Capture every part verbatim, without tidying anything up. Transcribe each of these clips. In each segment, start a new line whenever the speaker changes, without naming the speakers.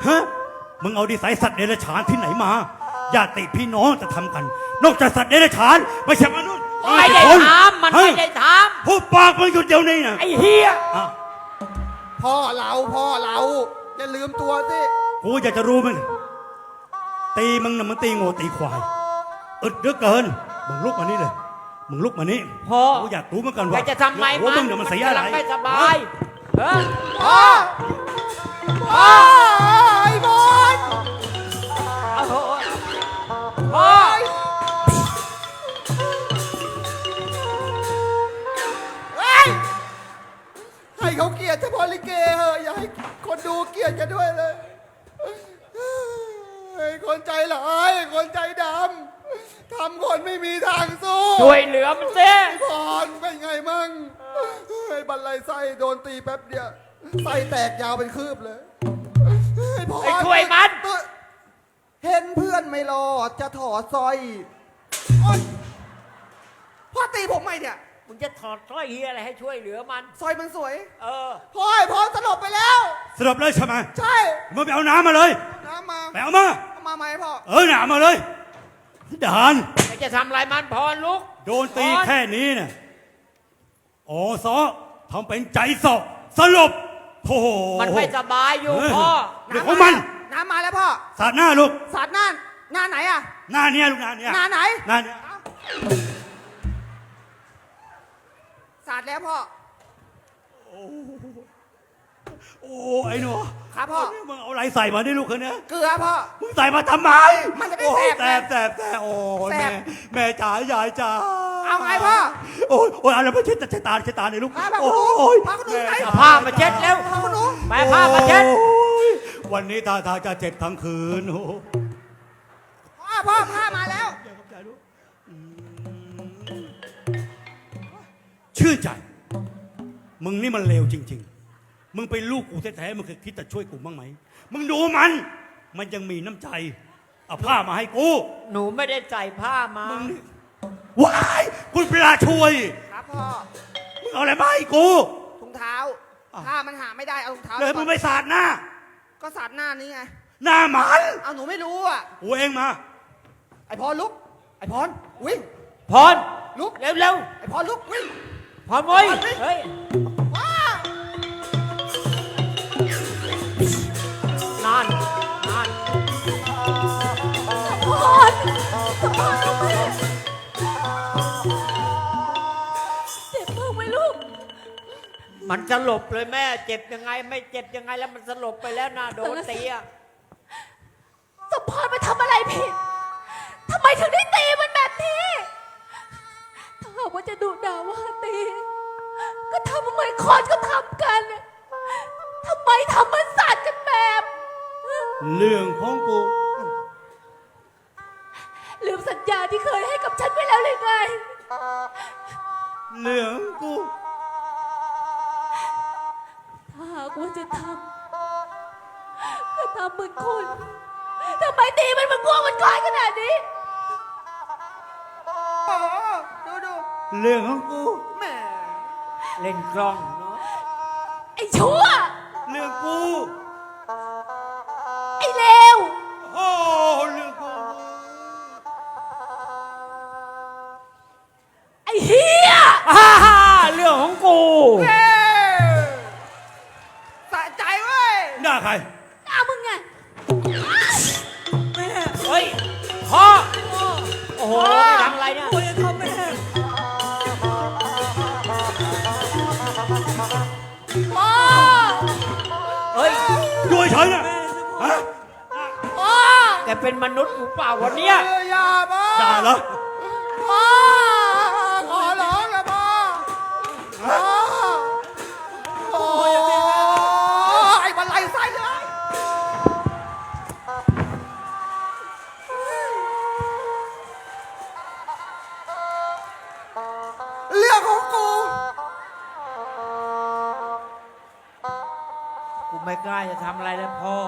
ฮะมึงเอาดีไซน์สัตว์เดรัจฉานที่ไหนมาญาติพี่น้องจะทำกันนอกจากสัตว์เดรัจฉานไม่ใช่มนุษย์
ไม่ได้ทำมันไม่ได้ทำ
พูดปากมึงหยุดเดี๋ยวนี้นะ
ไอ้เฮีย
พ่อเราพ่อเราอย่าลืมตัวสิ
กูอยากจะรู้มึงตีมึงน่ะมันตีโง่ตีควายอึดเหลือเกินมึงลุกมานี่เลยมึงลุกมานี่
พ่อ
กูอยากรู้เหมือนกัน
อยา
ว่าก
จะทำไม
หัวมึงเนี่ยมันเสียอะไร
กำลังไม่สบายเออ
พ่อพ่อไอ้บอล
เอาเถอะพ่อ
เฮ้ยให้เขาเกลียดเฉพาะลิเกเหอะอย่าให้คนดูเกลียดกันด้วยเลยไอ้คนใจร้ายคนใจดำทำคนไม่มีทางสู้
ช่วยเหลือมันสิ
ไอ้พรเป็นไงมั่งไอ้บันไลไส้โดนตีแป๊บเดียวไส้แตกยาวเป็นคืบเลยไอ้พร
ไอ้ช่วยมัน
เห็นเพื่อนไม่รอดจะถอดสร้อยโอ๊ยพ่อตีผมไหมเนี่ย
มึงจะถอดสร้อยเฮียอะไรให้ช่วยเหลือมัน
สร้อยมันสวย
เออ
พ่อไอ้พรสลบไปแล้ว
สรุปเลยใช่ไหม
ใช่
มึงไปเอาน้ำมาเลย
น้ำมา
ไปเอามา
เอามาไหมพ่อ
เออหนามาเลยดาน
ไอ้จะทำอะไรมันพรลุก
โดนตี
พร
แค่นี้เนี่ยอ๋อซอทำเป็นใจสอบสลบโอ้โห
มันไม่สบายอยู่
เออ
พ่อ
เรื่องของมัน
น้ำมาแล้วพ่อ
สาดหน้าลูก
สาดหน้าหน้าไหนอะ
หน้าเนี้ยลูกหน้าเนี้ย
หน้าไหน
หน้าเนี้ย
สาดแล้วพ่อ
โอ้ไอ้หนู
ครับพ่อ
มึงเอาอะไรใส่มาได้ลูกคนเนี้ย
เกลือพ่อ
มึงใส่มาทำไม
มันจะได้
โอ้ย
แส
แส
บบ
แสบแสบโอ้ย
แส
แม่
บ
แม่จ๋ายายจ๋า
เอาไงพ่อ
โอ้ยโอ้ยอะไรมาเช็ดเช็ดตาเช็ดตาเลยลูก
ผ้าผ้า
โอ้
ขนหนู
ย
ผ้าขนหนูไหน
แจ๋
ผ้ามาเช็ดเร็ว
ผ้าขนหนู
ไปผ้ามาเช็ด
โอ้ยวันนี้ท่าทางจะเจ็บทั้งคืนโอ้โห
พ่อพ่อผ้ามาแล้ว
ชื่นใจ มึงนี่มันเลวจริง ๆ มึงเป็นลูกกูแท้ๆมึงเคยคิดจะช่วยกูบ้างไหม มึงดูมัน มันยังมีน้ำใจ เอาผ้ามาให้กู
หนูไม่ได้ใส่ผ้ามา
มึงนี่ว้ายคุณปลาช่วย
ครับพ่อ
มึงเอาอะไรมาให้กู
ถุงเท้า
อ้าว
ผ้ามันหาไม่ได้เอาถุงเท้า
เลยมึงไปสาดหน้า
ก็สาดหน้านี้ไง
หน้าหมัน
เอาหนูไม่รู้อ่ะ
กูเองมา
ไอพรลุก ไอพรวิ่ง
พร
ลุก
เร็วเร็ว
ไอพรลุกวิ่ง
ๆพรเว้ย
พรวิ่ง
เฮ้ย
ว้า
นั่นนั่น
พรสมพรลูกแม่เจ็บมากไหมลูก
มันสลบเลยแม่ เจ็บยังไงไม่เจ็บยังไงแล้วมันสลบไปแล้วนะโดนตีอะ
สมพรไปทำอะไรผิด ทำไมถึงได้ตีมันแบบนี้ ถ้าหากว่าจะดุด่าว่าตี ก็ทำเหมือนคนก็ทำกัน ทำไมทำเหมือนสัตว์กันแบบ
เรื่องของกู
ลืมสัญญาที่เคยให้กับฉันไปแล้วเลยไง
เรื่องของกู
ถ้าหากว่าจะทำก็ทำเหมือนคนทำไมตีมันเหมันกลัวมันก้อยขนาดนี้
โอ้โหดูดู
เรื่องของกู
แหม่
เล่นกล้องเนาะ
ไอ้ชั่ว
เรื่องกู
ไอ้เลว
โอ้เรื่องกู
ไอ้เฮีย
อ่าฮ่าเรื่องของกู
เฮ้สะใจเว้ย
หน้าใคร
หน้ามึงไง
เฮ้ยพ่อโอ้โหไม่ทำอะไรเนี่ย
พ่อ
เฮ้ย
อยู่เฉยๆนะฮะ
พ่อ
แกเป็นมนุษย์หรือเปล่าวันเนี้ย
เอออย่าพ่อ
ด่าเหรอ
พ่อขอร้องนะพ่อพ่อโอ้ไอ้บันไลไส้เลยเรื่องของกู
กูไม่กล้าจะทำอะไรแล้วพ่อ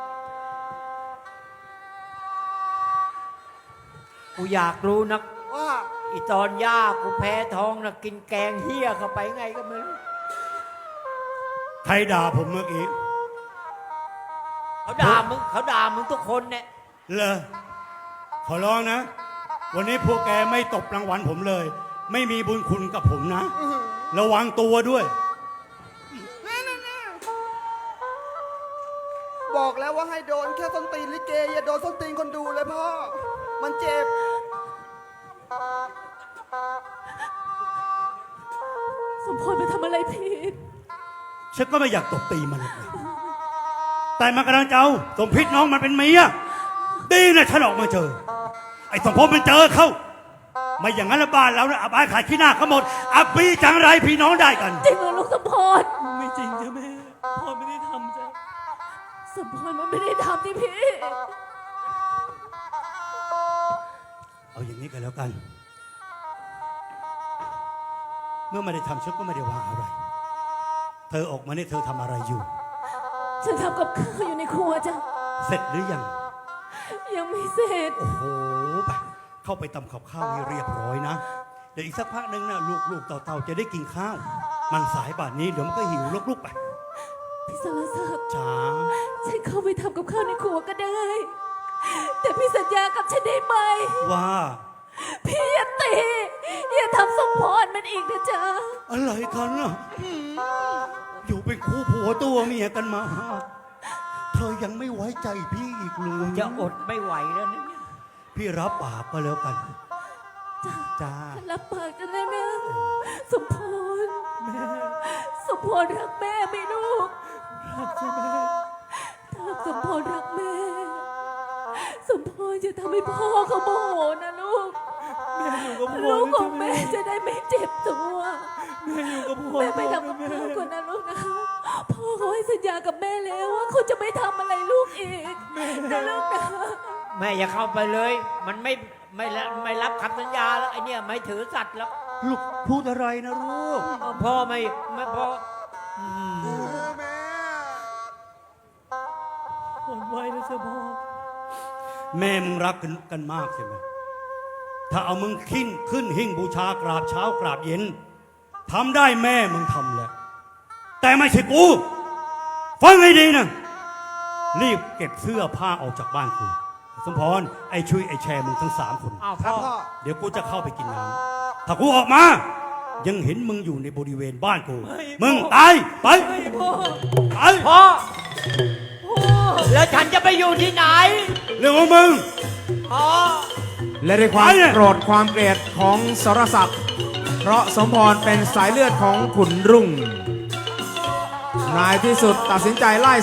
กูอยากรู้นัก
ว่า
อีตอนย่ากูแพ้ท้องนะกินแกงเฮี้ยเข้าไปไงก็ไม่รู้
ใครด่าผมเมื่อกี้
เขาด่ามึงเขาด่ามึงทุกคนเนี่ย
เลอขอร้องนะ วันนี้พวกแกไม่ตบรางวัลผมเลย ไม่มีบุญคุณกับผมนะ ระวังตัวด้วย
บอกแล้วว่าให้โดนแค่ส้นตีนลิเกอย่าโดนส้นตีนคนดูเลยพ่อ มันเจ็บ
สมพรไปทำอะไรผิด
ฉันก็ไม่อยากตบตีมันหรอกแต่มันกำลังจะเอาสมพิษน้องมันเป็นเมียดีนะฉันออกมาเจอ ไอ้สมพงษ์มันเจอเข้า ไม่อย่างนั้นละบ้านเราเนี่ยอับอายขายขี้หน้าเขาหมด อับปีจังไรพี่น้องได้กัน
จริงเหรอลูกสมพร
ไม่จริงจ้ะแม่พ่อไม่ได้ทำจ้ะ
สมพรมันไม่ได้ทำที่พี่
เอาอย่างนี้กันแล้วกัน เมื่อไม่ได้ทำฉันก็ไม่ได้ว่าอะไร เธอออกมาเนี่ยเธอทำอะไรอยู่
ฉันทำกับข้าวอยู่ในครัวจ้ะ
เสร็จหรือยัง
ยังไม่เสร็จ
โอ้โหไปเข้าไปตำกับข้าวให้เรียบร้อยนะ เดี๋ยวอีกสักพักหนึ่งนะลูกๆเต่าๆจะได้กินข้าว มันสายป่านนี้เดี๋ยวมันก็หิวลุกๆไป
พี่สารศักดิ์
จ้า
ฉันเข้าไปทำกับข้าวในครัวก็ได้ แต่พี่สัญญากับฉันได้ไหม
ว่า
พี่อย่าตีอย่าทำสมพรมันอีกนะจ๊ะ
อะไรกันน่ะอยู่เป็นคู่ผัวตัวเมียกันมา เธอยังไม่ไว้ใจพี่อีกเลย
จะอดไม่ไหวแล้วเนี่ย
พี่รับปากก็แล้วกัน
จ้า
จ้า
ฉันรับปากกันแล้วนะสมพรแม่สมพรรักแม่ไหมลูก
รักจ้ะแม่
ถ้าสมพรรักแม่ สมพรจะทำให้พ่อเขาโมโหนะลูก
แม่อยู่กับพ่อ
ลูก
นะ
ขอ
จ้ะ
ง
แม่
แม่จะได้ไม่เจ็บตัว
แม่อยู่กับพ่อ
แม่ไป
ก่อน
ทำกับ
นะแม่
ข้าวก่อนนะลูกนะพ่อเขาให้สัญญากับแม่แล้วว่าเขาจะไม่ทำอะไรลูกอีกนะลูกนะ
แม่อย่าเข้าไปเลย มันไม่ไม่ละไม่รับคำสัญญาแล้วไอเนี่ยไม่ถือสัตว์แล้ว
ลูกพูดอะไรนะลูก
พ่อไม่ไม่พ่ออืม
แม่
ผมไว้นะจ๊ะพ่อ
แม่มึงรักกันกันมากใช่ไหม ถ้าเอามึงขึ้นขึ้นหิ้งบูชากราบเช้ากราบเย็นทำได้แม่มึงทำแหละ แต่ไม่ใช่กู ฟังให้ดีนะ รีบเก็บเสื้อผ้าออกจากบ้านกูสมพรไอ้ชุยไอ้แชร์มึงทั้งสามคน
อ้าว
ครับ
พ่อ
พ่อ
เดี๋ยวกูจะเข้าไปกินน้ำถ้ากูออกมา ยังเห็นมึงอยู่ในบริเวณบ้านกู มึงตายไป
ไม่พ่อ
ไป
พ่อแล้วฉันจะไปอยู่ที่ไหน
เรื่องของมึง
พ่อ
และด้วยความ
ไปเนี่ย
โกรธความเกลียดของสรศักดิ์เพราะสมพรเป็นสายเลือดของขุนรุ่ง นายที่สุดตัดสินใจไล่